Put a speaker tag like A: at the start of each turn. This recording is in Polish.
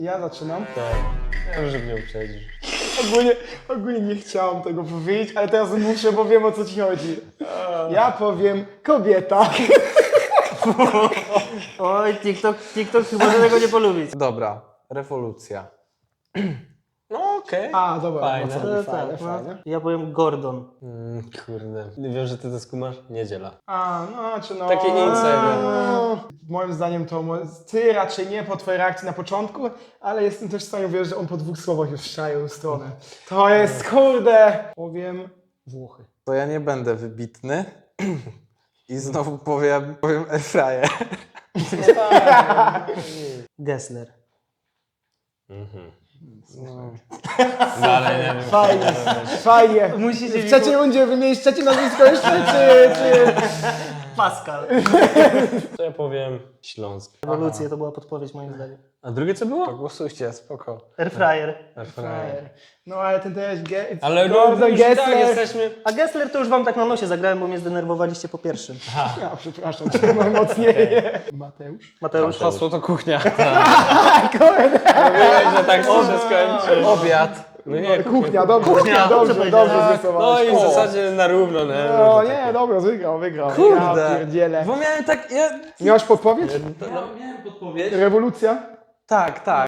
A: Ja zaczynam.
B: Tak. Dobrze, żeby nie uprzedzisz.
A: Ogólnie nie chciałam tego powiedzieć, ale teraz muszę, bo wiem, o co ci chodzi. Ja powiem kobieta.
C: Oj, TikTok chyba tego nie polubić.
D: Dobra, rewolucja.
B: No okej.
A: A, dobra,
B: Fajne.
A: fajne.
C: Ja powiem Gordon.
B: Kurde. Wiem, że ty to skumasz? Niedziela.
A: A, no, czy no...
B: Taki insider.
A: Moim zdaniem to ty raczej nie po twojej reakcji na początku, ale jestem też w stanie uwierzyć, że on po 2 słowach już szają stronę. To jest, kurde, powiem Włochy.
D: To ja nie będę wybitny i znowu powiem airfryer.
C: Gessler.
B: Dalej nie wiem.
A: Fajnie.
C: Musicie
A: W trzeciej rundzie wymienić trzecie nazwisko jeszcze, czy...
C: Pascal.
B: To ja powiem Śląsk.
C: Rewolucja to była podpowiedź moim zdaniem.
B: A drugie co było?
D: Głosujcie, spoko.
C: Airfryer.
B: Airfryer.
A: No ale ten też...
B: Ale
A: Gordon
B: już tak
A: Gessler.
B: jesteśmy...
C: A Gessler to już wam tak na nosie zagrałem, bo mnie zdenerwowaliście po pierwszym.
A: Ja przepraszam, cię mocniej. Mateusz?
C: Mateusz.
D: Hasło to kuchnia.
B: Mówiłeś, że tak się skończy.
D: Obiad.
B: No nie,
A: Kuchnia, dobrze,
C: Kuchnia,
A: dobrze
C: powiedziałem.
A: zrysowałeś.
B: No i w zasadzie na równo, nie?
A: No nie, dobra, wygrał.
D: Kurde.
A: Ja pierdzielę.
D: Bo miałem tak...
A: Miałeś podpowiedź?
D: Miałem podpowiedź.
A: Rewolucja?
D: Tak.